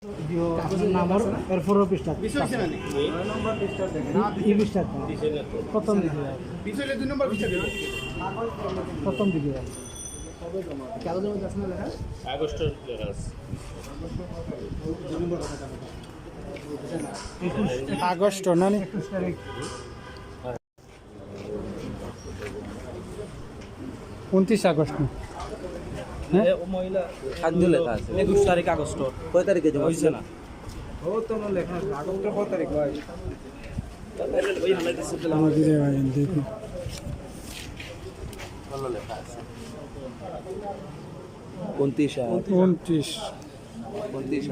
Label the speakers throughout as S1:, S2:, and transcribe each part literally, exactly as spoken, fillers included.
S1: এরপরেও পৃষ্ঠা এই পৃষ্ঠা প্রথম দিকে প্রথম দিকে আগস্ট না একুশ তারিখ উনত্রিশ আগস্ট
S2: একুশ তারিখ আগস্ট কয় তারিখে জমা হয়েছে না
S1: দেখুন
S2: উনত্রিশ
S1: উনত্রিশ
S2: উনত্রিশ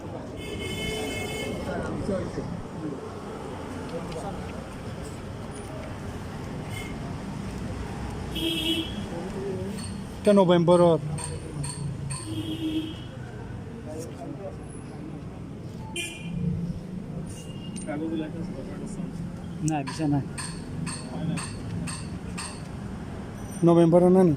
S1: এটা নভেম্বরত না bisa না নভেম্বর না নি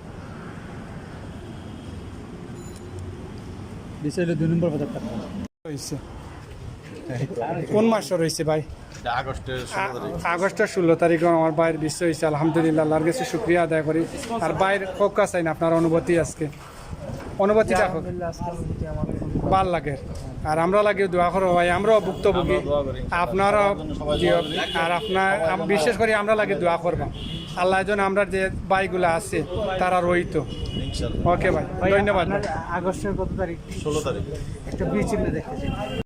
S1: bisa এটা দুই নম্বর বাজার টাকা হইছে কোন মাসে রইছে ভাই
S3: আগস্টের ষোলো তারিখ
S1: আগস্টের ষোলো তারিখ আমার ভাইয়ের বিশ্ব হয়েছে আলহামদুলিল্লাহ আল্লাহর কাছে শুক্রিয়া আদায় করি আর ভাইয়ের কোকা চাই না আপনার অনুভূতি আজকে অনুভূতিটা ভাল লাগে আর আমরা লাগে দোয়া করো ভাই আমরাও ভুক্তভোগী আপনারা আর আপনার বিশেষ করে আমরা লাগে দোয়া করবা আল্লাহ যেন আমরা যে ভাইগুলো আছে তারা রইত ওকে ভাই ধন্যবাদ। আগস্টের কত তারিখ?
S3: ষোলো তারিখ
S1: একটা বিয়ে চিহ্ন দেখতেছি।